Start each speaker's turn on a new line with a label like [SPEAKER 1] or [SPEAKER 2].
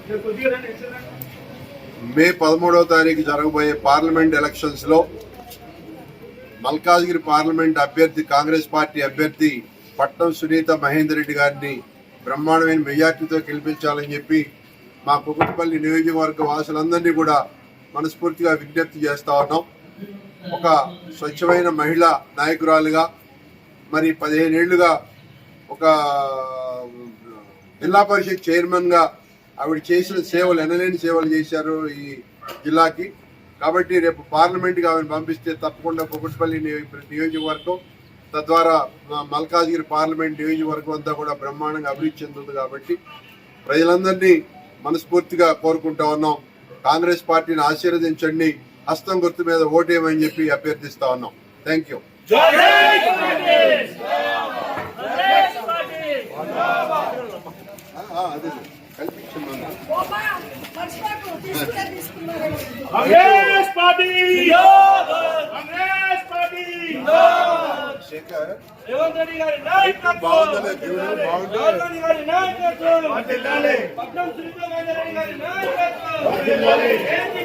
[SPEAKER 1] మే 13వ తారీఖు జరగబోయే parliament elections లో మల్కాజ్గిరి పార్లమెంట్ అభ్యర్థి కాంగ్రెస్ పార్టీ అభ్యర్థి పట్నం సునీత మహేందర్ రెడ్డి గారిని బ్రహ్మాండమైన మెజార్టీతో గెలిపించాలని చెప్పి మా కుకట్పల్లి నియోజకవర్గ వాసులందరినీ కూడా మనస్ఫూర్తిగా విజ్ఞప్తి చేస్తా ఉన్నాం. ఒక స్వచ్ఛమైన మహిళా నాయకురాలుగా మరి 15 ఏళ్లుగా ఒక జిల్లా పరిషత్ చైర్మన్ గా ఆవిడ చేసిన సేవలు ఎనలేని సేవలు చేశారు ఈ జిల్లాకి. కాబట్టి రేపు పార్లమెంట్కి ఆవిడని పంపిస్తే తప్పకుండా కుకట్పల్లి నియోజకవర్గం తద్వారా మల్కాజ్గిరి పార్లమెంట్ నియోజకవర్గం అంతా కూడా బ్రహ్మాండంగా అభివృద్ధి చెందుతుంది. కాబట్టి ప్రజలందరినీ మనస్ఫూర్తిగా కోరుకుంటా ఉన్నాం. కాంగ్రెస్ పార్టీని ఆశీర్వదించండి, హస్తం గుర్తు మీద ఓటేయమని చెప్పి అభ్యర్థిస్తా ఉన్నాం. Thank you. అదే శేఖర్ బాగుందలే దేవుడు బాగుంటుంది.